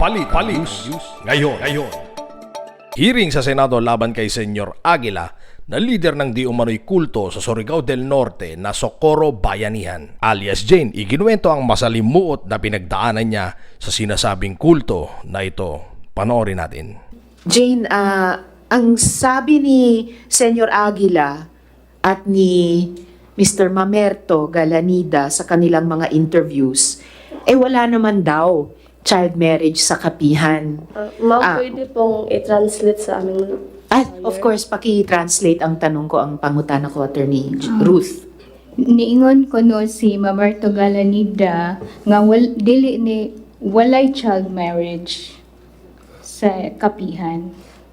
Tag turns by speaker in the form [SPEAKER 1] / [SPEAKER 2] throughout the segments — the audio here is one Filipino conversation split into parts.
[SPEAKER 1] Palit ngayon. Hearing sa Senado laban kay Senyor Aguila na lider ng di umano'y kulto sa Surigao del Norte na Socorro Bayanihan. Alias Jane, iginuwento ang masalimuot na pinagdaanan niya sa sinasabing kulto na ito. Panoorin natin.
[SPEAKER 2] Jane, ang sabi ni Senyor Aguila at ni Mr. Mamerto Galanida sa kanilang mga interviews, wala naman daw child marriage sa kapihan.
[SPEAKER 3] Ma'am, pwede pong i-translate sa aming
[SPEAKER 2] Of course, paki-translate ang tanong ko, ang pangutana ko, Attorney Ruth.
[SPEAKER 4] Niingon ko no si Mamerto Galanida nga walay child marriage sa kapihan.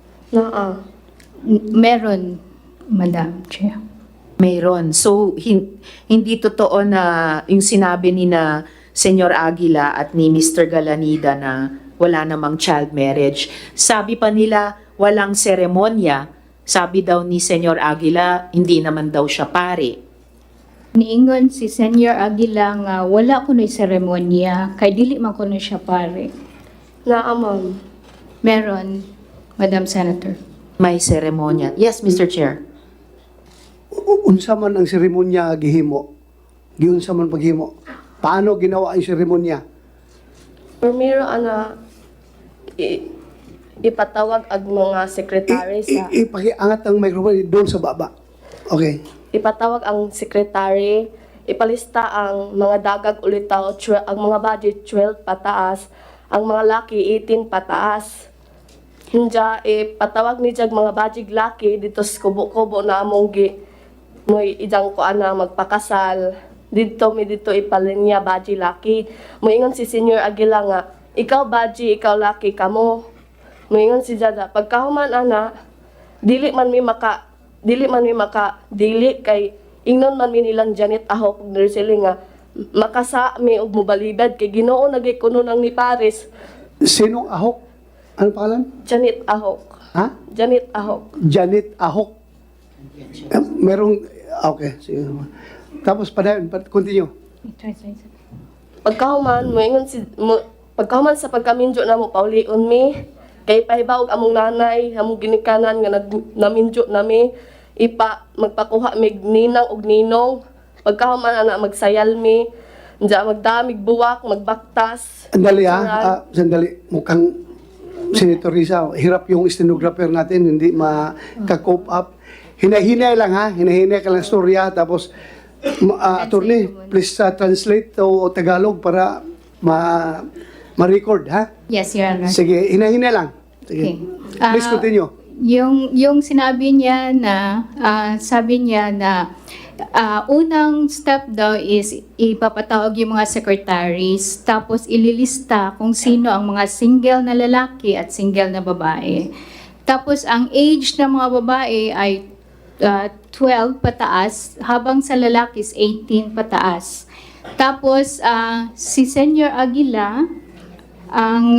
[SPEAKER 4] Meron, Madam Chair.
[SPEAKER 2] Mayroon. So, hindi totoo na yung sinabi ni na Senyor Aguila at ni Mr. Galanida na wala namang child marriage. Sabi pa nila, walang seremonya. Sabi daw ni Senyor Aguila, hindi naman daw siya pare.
[SPEAKER 4] Niingon si Senyor Aguila nga wala kuno'y seremonya, kay dili man kuno siya pare.
[SPEAKER 3] ma'am.
[SPEAKER 4] Meron, Madam Senator.
[SPEAKER 2] May seremonya. Yes, Mr. Chair.
[SPEAKER 5] Unsa man ang seremonya gihimo? Giunsa man paghimo? Paano ginawa ang seremonya?
[SPEAKER 3] Primero, ipatawag ang mga sekretary sa...
[SPEAKER 5] Ipakiangat ang microphone doon sa baba. Okay.
[SPEAKER 3] Ipatawag ang sekretary, ipalista ang mga dagag ulitaw, ang mga budget 12 pataas, ang mga laki 18 pataas. Hinja, ipatawag ni jag mga budget laki dito sa kubo-kubo na among mo'y idang ko ana magpakasal. Dito ipalinya baji laki. Moingon si Senyor Aguila nga, ikaw baji, ikaw laki kamo. Moingon si Jada, pagkahuman ana, dili kay ingnon man mi nilang Janet Ahok ug Nursely nga makasa mi og mobalibad kay Ginoo nagay kuno nang ni Paris.
[SPEAKER 5] Sinong Ahok? Ano pangalan?
[SPEAKER 3] Janet Ahok.
[SPEAKER 5] Ha?
[SPEAKER 3] Janet Ahok.
[SPEAKER 5] Janet Ahok. Merong... Okay. Sige. Tapos continue.
[SPEAKER 3] Pagkahuman pagkahuman sa pagkaminjo na mo paulion mi kay pahibawog among nanay among ginikanan nga naminjo nami magpakuha mig ninang og ninong pagkahuman ana magsayal mi nja magdamig buwak magbaktas.
[SPEAKER 5] Sandali sandali. Mukhang Senator Risa, hirap yung stenographer natin, hindi maka-cope up. Hinahinay lang ha, hinahinay ka lang storya, tapos attorney, please translate to Tagalog para ma-record ha?
[SPEAKER 4] Yes, Your Honor.
[SPEAKER 5] Sige, hinahinay lang. Sige.
[SPEAKER 4] Okay.
[SPEAKER 5] Please continue.
[SPEAKER 4] Yung sinabi niya na, sabi niya na unang step daw is ipapatawag yung mga secretaries, tapos ililista kung sino ang mga single na lalaki at single na babae. Tapos ang age ng mga babae ay 12 pataas, habang sa lalaki is 18 pataas. Tapos si Senyor Aguila ang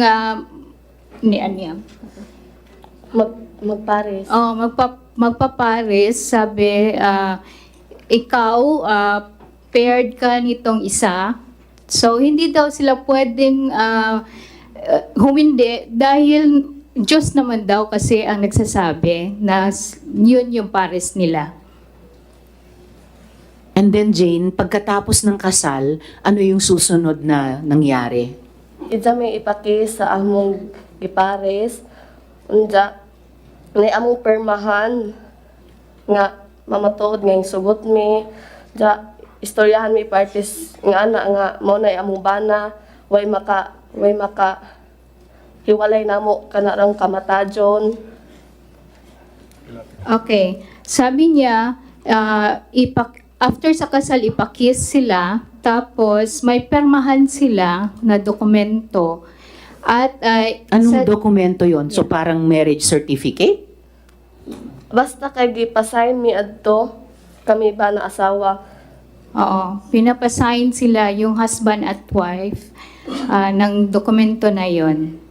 [SPEAKER 3] Magpares.
[SPEAKER 4] Magpapares, sabi, ikaw, paired ka nitong isa. So, hindi daw sila pwedeng humindi dahil Diyos naman daw kasi ang nagsasabi na yun yung pares nila.
[SPEAKER 2] And then, Jane, pagkatapos ng kasal, ano yung susunod na nangyari?
[SPEAKER 3] Ija may ipaki sa among gipares. Unja, na among permahan nga mamatuod nga yung sugot mi. Ja, istoryahan mi parties nga ana nga mo na among bana. Way maka hiwalay namo kanarang kamatajon.
[SPEAKER 4] Okay. Sabi niya, after sa kasal, ipakis sila, tapos may permahan sila na dokumento. At
[SPEAKER 2] Anong dokumento yon? So, parang marriage certificate?
[SPEAKER 3] Basta kay gipasign mi adto kami ba na asawa.
[SPEAKER 4] Oo, pinapasign sila yung husband at wife ng dokumento na yon.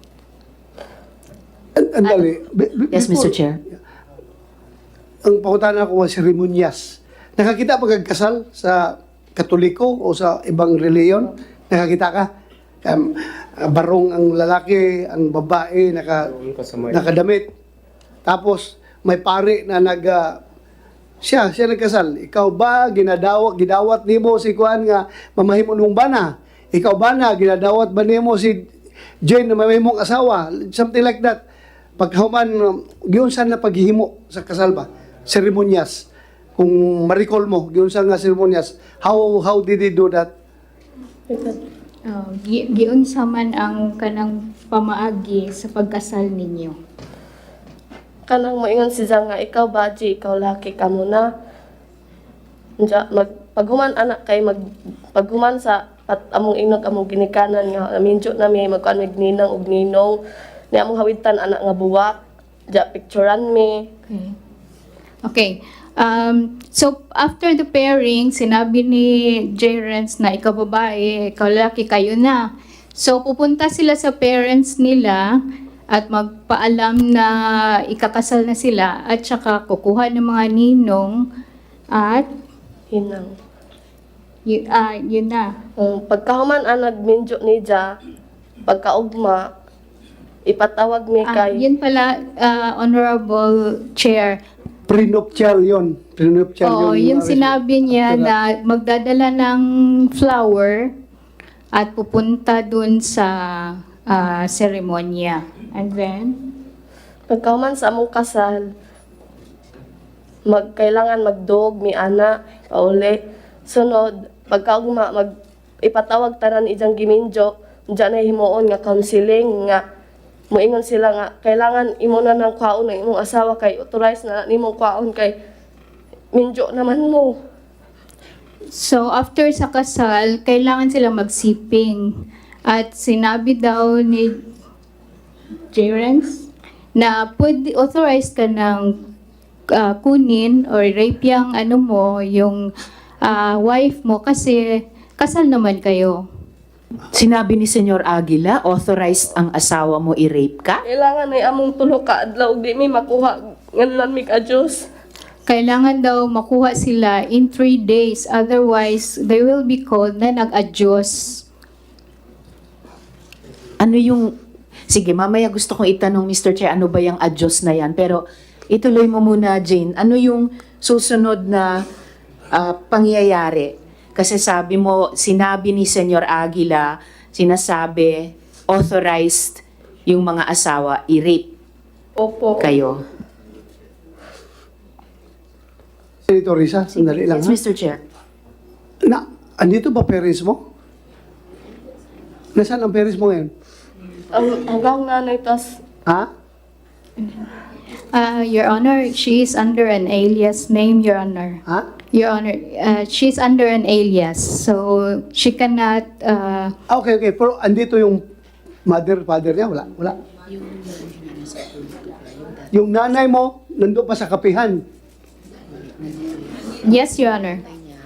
[SPEAKER 5] Andali.
[SPEAKER 2] Yes, Mr. Chair.
[SPEAKER 5] Ang pangutana ko was seremonyas. Nakakita pag kasal sa Katoliko o sa ibang reliyon? Nakakita ka? barong ang lalaki, ang babae, nakadamit. Tapos, may pare na siya nagkasal. Ikaw ba, gidawat nimo si Kuan nga mamahimo mong bana? Ikaw ba na, ginadawat ba nimo si Jane na mamahimong asawa? Something like that. Pagkahuman, giyon saan na paghihimo sa kasal ba? Seremonyas. Kung ma-recall mo, giyon saan nga seremonyas. How did he do that?
[SPEAKER 4] Giunsa man ang kanang pamaagi sa pagkasal ninyo?
[SPEAKER 3] Kanang moingon siya nga, ikaw baji, ikaw laki ka muna. Paghuman anak kay paghuman sa among inog among ginikanan nga minjo na may magkuan mig ninang ug ninong ni among hawitan anak nga buwak. Picturean me.
[SPEAKER 4] Okay. So, after the pairing, sinabi ni J. Renz na ikaw babae, ikaw lalaki, kayo na. So, pupunta sila sa parents nila at magpaalam na ikakasal na sila at saka kukuha ng mga ninong at
[SPEAKER 3] Hinang.
[SPEAKER 4] yun na.
[SPEAKER 3] Pagkahuman ang nagminjo ni Ja, pagkaugma, ipatawag mi kay...
[SPEAKER 4] Yun pala, Honorable Chair.
[SPEAKER 5] Prenuptial yun. Prenuptial
[SPEAKER 4] Oo, yung sinabi niya na magdadala ng flower at pupunta dun sa seremonya. And then,
[SPEAKER 3] Pagkahuman sa among kasal, kailangan magdog mi ana, pauli. Sunod, pagkaugma, ipatawag tanan ijang giminjo, diyan na himuon nga counseling nga moingon sila nga kailangan imo na ng kwaon ng imong asawa kay authorize na nimong kwaon kay minjo naman mo.
[SPEAKER 4] so after sa kasal, kailangan sila magsiping. At sinabi daw ni Jerence na pwede authorized ka ng kunin or rape yung yung wife mo kasi kasal naman kayo.
[SPEAKER 2] Sinabi ni Senyor Aguila, authorized ang asawa mo i-rape ka?
[SPEAKER 3] Kailangan ay among tulo ka adlaw di mi makuha nganlan mi ka-Diyos.
[SPEAKER 4] Kailangan daw makuha sila in 3 days, otherwise they will be called na nag-adyos.
[SPEAKER 2] Ano yung... Sige, mamaya gusto kong itanong, Mr. Chair, ano ba yung adyos na yan? Pero ituloy mo muna, Jane. Ano yung susunod na pangyayari? Kasi sabi mo, sinabi ni Senyor Aguila, sinasabi, authorized yung mga asawa i-rape
[SPEAKER 3] Opo.
[SPEAKER 2] kayo.
[SPEAKER 5] Senator Risa, sandali lang
[SPEAKER 2] Yes,
[SPEAKER 5] ha.
[SPEAKER 2] Mr. Chair.
[SPEAKER 5] Andito ba parents mo? Nasaan ang parents mo ngayon?
[SPEAKER 3] Hanggang nanay tas
[SPEAKER 5] Ha?
[SPEAKER 4] Your Honor, she is under an alias name, Your Honor.
[SPEAKER 5] Ha?
[SPEAKER 4] Your Honor, she's under an alias, so she cannot...
[SPEAKER 5] Okay. Pero andito yung father niya? Wala. Yung nanay mo, nandun pa sa kapihan.
[SPEAKER 4] yes, Your Honor.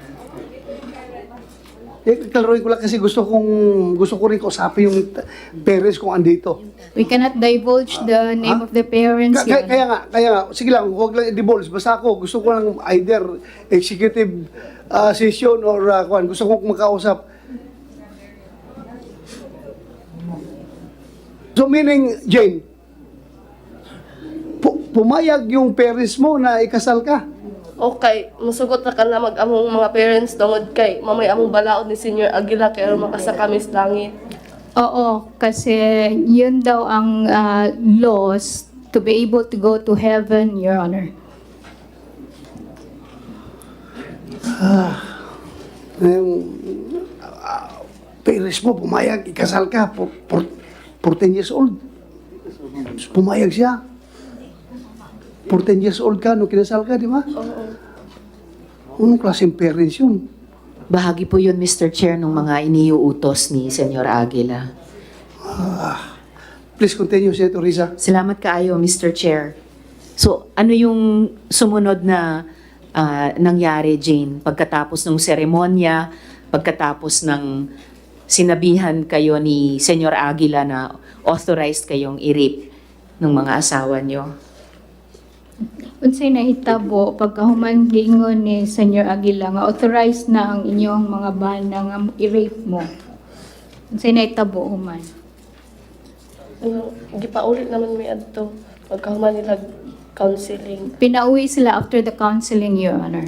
[SPEAKER 5] Klaruin ko lang kasi gusto ko rin kausapin yung parents kung andito.
[SPEAKER 4] We cannot divulge the name of the parents, Your Honor.
[SPEAKER 5] Kaya nga, sige lang, huwag lang i-divulge. Basta ako, gusto ko lang either executive session or gusto ko makausap. So meaning, Jane, pumayag yung parents mo na ikasal ka.
[SPEAKER 3] okay, musugot na ka na mag-among mga parents tungod kay mamay among balaod ni Senior Aguila kay aron makasakami sa langit.
[SPEAKER 4] Oo, kasi yun daw ang laws to be able to go to heaven, Your Honor.
[SPEAKER 5] Parents mo, pumayag, ikasal ka, 14 years old. Pumayag siya. 14 years old ka, nung kinasal ka, di ba?
[SPEAKER 3] Oo.
[SPEAKER 5] Anong klaseng parents yun?
[SPEAKER 2] Bahagi po yun, Mr. Chair, ng mga iniuutos ni Senyor Aguila.
[SPEAKER 5] Please continue, Senator Risa.
[SPEAKER 2] Salamat kaayo, Mr. Chair. So, ano yung sumunod na nangyari, Jane? Pagkatapos ng seremonya, pagkatapos ng sinabihan kayo ni Senyor Aguila na authorized kayong i-rape ng mga asawa nyo?
[SPEAKER 4] Unsay nahitabo pagkahuman giingon ni Senyor Aguila nga authorized na ang inyong mga bana nga i-rape mo. Unsay naitabo human.
[SPEAKER 3] Gipaulit naman mi adto pagkahuman nila counseling.
[SPEAKER 4] Pinauwi sila after the counseling, Your Honor.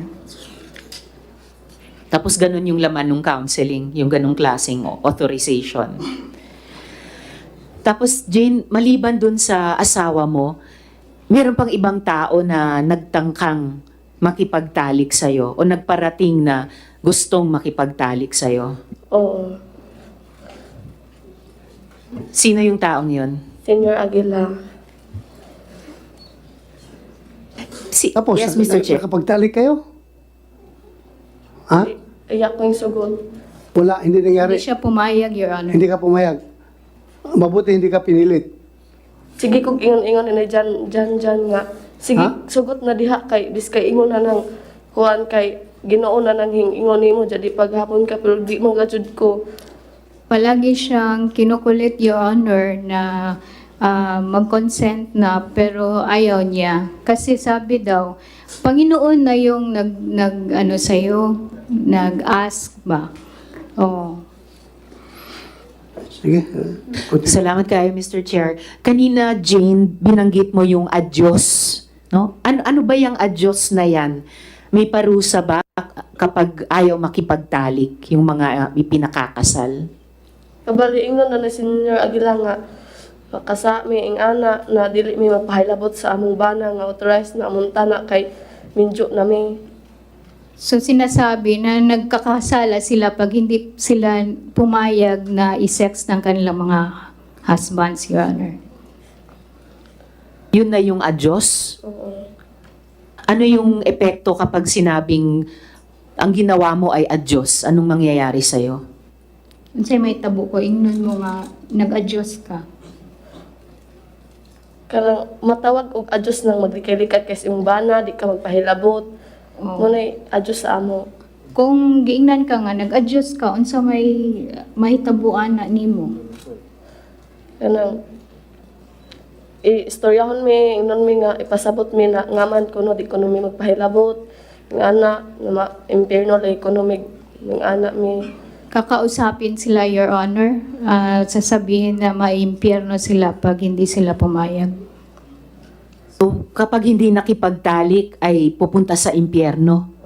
[SPEAKER 2] Tapos ganun yung laman ng counseling, yung ganung klaseng authorization. Tapos Jane, maliban dun sa asawa mo, meron pang ibang tao na nagtangkang makipagtalik sa'yo o nagparating na gustong makipagtalik sa'yo.
[SPEAKER 3] Oo.
[SPEAKER 2] Sino yung taong yun?
[SPEAKER 3] Senior Aguila.
[SPEAKER 5] Tapos,
[SPEAKER 2] yes, Mr. Chair.
[SPEAKER 5] nakapagtalik kayo? Ha?
[SPEAKER 3] Iyak ko yung sugod.
[SPEAKER 5] Wala, hindi nangyari.
[SPEAKER 4] Hindi siya pumayag, Your Honor.
[SPEAKER 5] Hindi ka pumayag. Mabuti hindi ka pinilit.
[SPEAKER 3] Sige kog ingon-ingon na dyan nga. Sige,
[SPEAKER 5] Ha?
[SPEAKER 3] sugot na diha kay biskay ingon na nang kuan kay Ginoo na nang ingon nimo jadi paghapon ka pero di man gajud ko.
[SPEAKER 4] Palagi siyang kinukulit, Your Honor, na mag-consent na pero ayaw niya. Kasi sabi daw, Panginoon na yung ano sa'yo, nag-ask ba? Oh.
[SPEAKER 5] Sige. Continue.
[SPEAKER 2] Salamat kayo, Mr. Chair. Kanina, Jane, binanggit mo yung adyos. No? Ano ba yung adyos na yan? May parusa ba kapag ayaw makipagtalik yung mga ipinakakasal?
[SPEAKER 3] Kabali ingon na ni Senior Aguila nga kasami ing ana na dili mi magpahilabot sa among bana nga authorized na among tanak kay minjo na mi.
[SPEAKER 4] So sinasabi na nagkakasala sila pag hindi sila pumayag na i-sex ng kanilang mga husbands, Your Honor.
[SPEAKER 2] Yun na yung adyos?
[SPEAKER 3] Oo.
[SPEAKER 2] Ano yung epekto kapag sinabing ang ginawa mo ay adyos? Anong mangyayari sa'yo?
[SPEAKER 4] Unsay may tabo ko, ingnon mo nga, nag-adjust ka.
[SPEAKER 3] Kanang matawag og adjust nang maglikay-likay kay sa imong bana di ka magpahilabot.
[SPEAKER 4] Oh.
[SPEAKER 3] Munay adjust sa amo.
[SPEAKER 4] Kung giingnan ka nga, nag-adjust ka, unsa may mahitabuan na nimo.
[SPEAKER 3] Kanang istoryahon mi, ingnon mi nga ipasabot mi na ngaman kuno di kuno mi magpahilabot. Ng ana na impierno la economic ng ana mi.
[SPEAKER 4] Kakausapin sila, Your Honor, sasabihin na maimpyerno sila pag hindi sila pumayag.
[SPEAKER 2] So, kapag hindi nakipagtalik ay pupunta sa impyerno?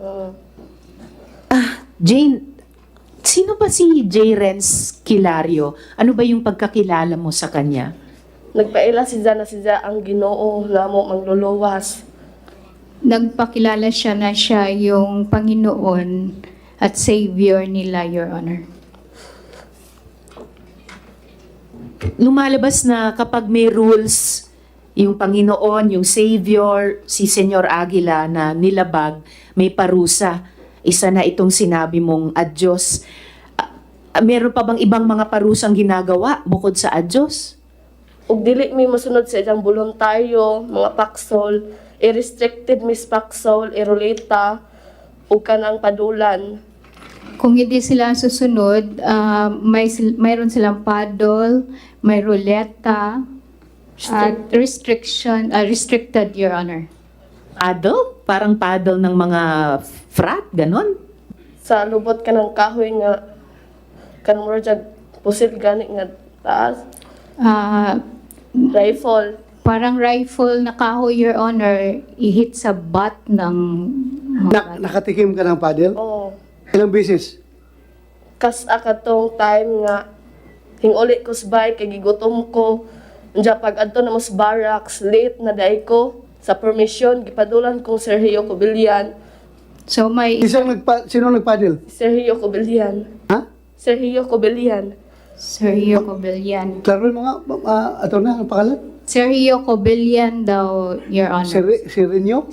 [SPEAKER 2] Jane, sino ba si J. Renz Kilario? Ano ba yung pagkakilala mo sa kanya?
[SPEAKER 3] Nagpaila si siya ang Ginoo na mo mangluluwas.
[SPEAKER 4] Nagpakilala siya na siya yung Panginoon at Savior nila, Your Honor.
[SPEAKER 2] Lumalabas na kapag may rules, yung Panginoon, yung Savior, si Senyor Aguila na nilabag, may parusa. Isa na itong sinabi mong adyos. Meron pa bang ibang mga parusang ginagawa bukod sa adyos?
[SPEAKER 3] Ug dili mi mosunod sa ilang voluntaryo, mga paksol, i-restricted mis paksol, iruleta, ug kanang padulan.
[SPEAKER 4] Kung hindi sila susunod, mayroon silang paddle, may ruleta, at restricted, Your Honor.
[SPEAKER 2] Paddle? Parang paddle ng mga frat, ganon?
[SPEAKER 3] Sa lubot ka ng kahoy nga kanang mura jag pusil gani nga taas,
[SPEAKER 4] Ah,
[SPEAKER 3] rifle.
[SPEAKER 4] parang rifle na kahoy, Your Honor, i-hit sa butt ng
[SPEAKER 5] Nakatikim ka ng paddle?
[SPEAKER 3] Oo.
[SPEAKER 5] Ilang beses?
[SPEAKER 3] Kas akatong time nga hinguli ko sa bike kay gigutom ko. Unya pag adto na mos barracks, late na day ko sa permission gipadulan kong Sergio Cobillan.
[SPEAKER 4] So may
[SPEAKER 5] Sino nagpaddle?
[SPEAKER 3] Sergio Cobillan.
[SPEAKER 5] Ha?
[SPEAKER 3] Sergio Cobillan.
[SPEAKER 4] Sergio Cobillan.
[SPEAKER 5] Klaro mo nga, ato na, ang pangalan?
[SPEAKER 4] Sergio Cobillan daw, Your Honor.
[SPEAKER 5] Sirenyo?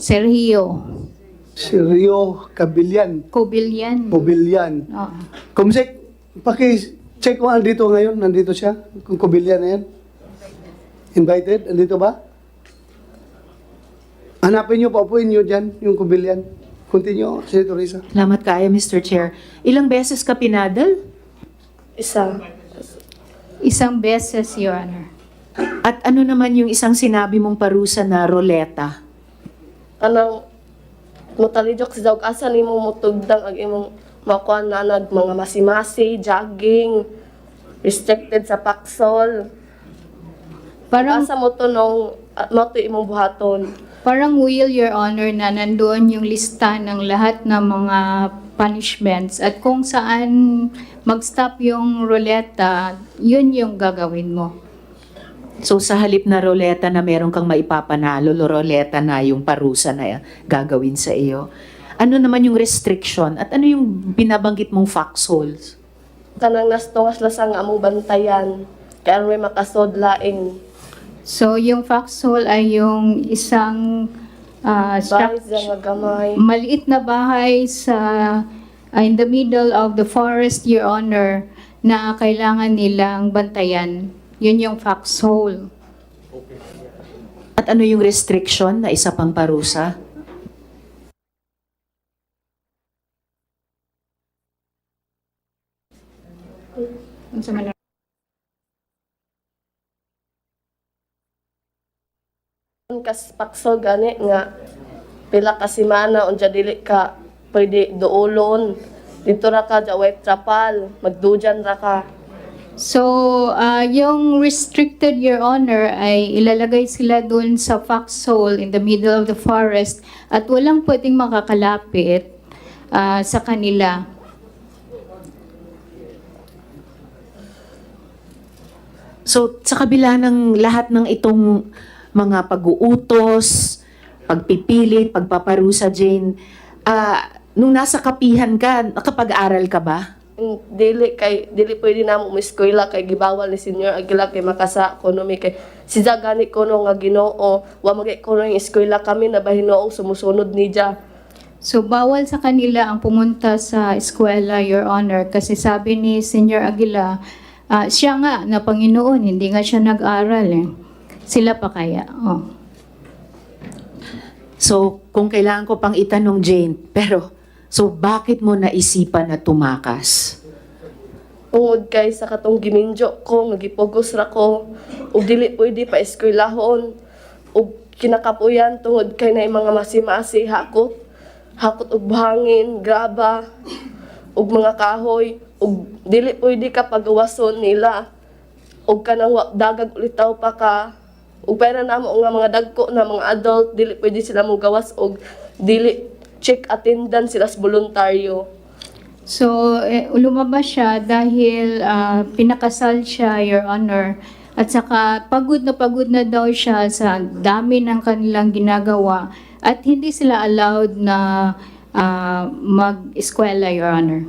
[SPEAKER 4] Sergio
[SPEAKER 5] Cabillan.
[SPEAKER 4] Cobillan.
[SPEAKER 5] Cobillan.
[SPEAKER 4] Oo.
[SPEAKER 5] Kumsek, paki-check kung andito ngayon, nandito siya, kung Cobillan na yan. Invited, andito ba? Hanapin nyo, paupuin nyo dyan, yung Cobillan. Continue, Senator Risa.
[SPEAKER 2] Salamat kayo, Mr. Chair. Ilang beses ka pinadal?
[SPEAKER 3] Isa.
[SPEAKER 4] Isang beses, Your Honor.
[SPEAKER 2] At ano naman yung isang sinabi mong parusa na roleta?
[SPEAKER 3] Kanang motalidok sa daog asa nimo mutugdang ang imong makuan na mga masimasi, jogging. restricted sa paksol.
[SPEAKER 4] Parang,
[SPEAKER 3] Asa mo to nung mo to imong buhaton.
[SPEAKER 4] parang will, Your Honor, na nandoon yung lista ng lahat ng mga punishments at kung saan mag-stop yung ruleta, yun yung gagawin mo.
[SPEAKER 2] So sa halip na roleta na meron kang maipapanalo, roleta na yung parusa na gagawin sa iyo. Ano naman yung restriction at ano yung binabanggit mong foxholes?
[SPEAKER 3] Kanang nastungas lasang among bantayan. Kaya may makasod laing.
[SPEAKER 4] So, yung foxhole ay yung isang
[SPEAKER 3] Bahay siya nga gamay.
[SPEAKER 4] maliit na bahay sa in the middle of the forest, Your Honor, na kailangan nilang bantayan. Yun yung foxhole.
[SPEAKER 2] At ano yung restriction na isa pang parusa?
[SPEAKER 4] Ano sa man-
[SPEAKER 3] Kas paksol gani nga pila ka semana unja dili ka pwede duolon. Dito ra ka jaway trapal, magdujan ra ka.
[SPEAKER 4] So, yung restricted, Your Honor, ay ilalagay sila dun sa foxhole in the middle of the forest at walang pwedeng makakalapit sa kanila.
[SPEAKER 2] So sa kabila ng lahat ng itong mga pag-uutos, pagpipilit, pagpaparusa, Jane, nung nasa kapihan ka, nakapag-aral ka ba?
[SPEAKER 3] Dili pwede na mo eskwela kay gibawal ni Senior Aguila kay makasa ekonomi kay si gani kuno nga Ginoo wa magay kuno yung eskwela kami na bahinoong sumusunod niya.
[SPEAKER 4] So, bawal sa kanila ang pumunta sa eskwela, Your Honor, kasi sabi ni Senior Aguila, siya nga na Panginoon, hindi nga siya nag-aral eh. Sila pa kaya? Oh.
[SPEAKER 2] So kung kailangan ko pang itanong, Jane, pero so bakit mo naisipan na tumakas?
[SPEAKER 3] Tungod kay sa katong giminjo ko nga gipugos ra ko ug dili pwede pa eskwelahon ug kinakapuyan tungod kay na mga masimasi hakot og buhangin, graba ug mga kahoy ug dili pwede ka pagawason nila ug kanang dagag ulitaw pa ka ug pera namo nga mga dagko na mga adult dili pwede sila mo gawas og dili check attendance sila sa voluntaryo.
[SPEAKER 4] So, lumabas siya dahil pinakasal siya, Your Honor. At saka pagod na daw siya sa dami ng kanilang ginagawa. At hindi sila allowed na mag-eskwela, Your Honor.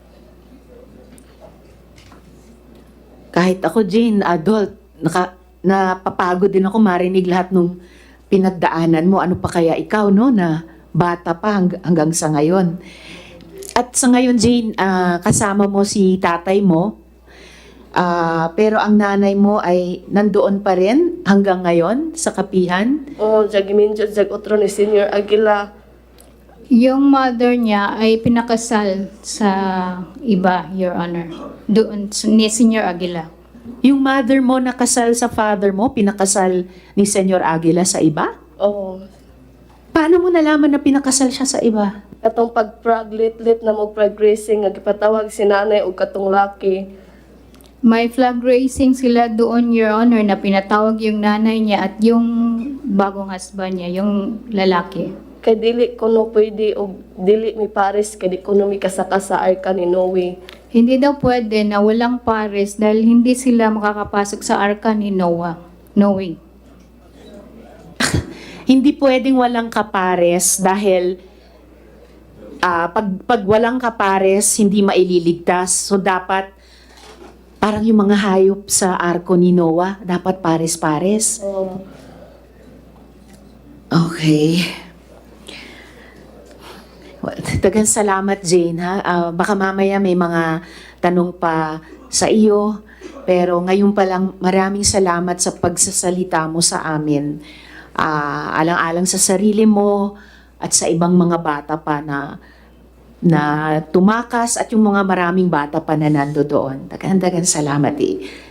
[SPEAKER 2] Kahit ako, Jane, adult, napapagod din ako marinig lahat nung pinagdaanan mo. Ano pa kaya ikaw, no, na bata pa hanggang sa ngayon. At sa ngayon, Jane, kasama mo si tatay mo, pero ang nanay mo ay nandoon pa rin hanggang ngayon sa kapihan.
[SPEAKER 3] Giminjo jag otro ni Senior Aguila.
[SPEAKER 4] Yung mother niya ay pinakasal sa iba, Your Honor. Doon, ni Senior Aguila.
[SPEAKER 2] Yung mother mo nakasal sa father mo, pinakasal ni Senyor Aguila sa iba?
[SPEAKER 3] Oo.
[SPEAKER 2] Paano mo nalaman na pinakasal siya sa iba?
[SPEAKER 3] Katong pag-praglit-lit na mo prag-racing nga gipatawag si nanay ug katong laki.
[SPEAKER 4] May flag raising sila doon, Your Honor, na pinatawag yung nanay niya at yung bagong husband niya, yung lalaki.
[SPEAKER 3] Kay dili kuno pwede og dili mi pares kay di kuno mi kasaka sa arka ni Noe.
[SPEAKER 4] Hindi daw pwede na walang pares dahil hindi sila makakapasok sa arka ni Noah.
[SPEAKER 2] Hindi pwedeng walang kapares dahil pag walang kapares, hindi maililigtas. So dapat parang yung mga hayop sa arko ni Noah, dapat pares-pares. Okay. Well, dagang salamat, Jane, ha? Baka mamaya may mga tanong pa sa iyo. Pero ngayon pa lang, maraming salamat sa pagsasalita mo sa amin. Alang-alang sa sarili mo at sa ibang mga bata pa na tumakas at yung mga maraming bata pa na nando doon. Dagan salamat eh.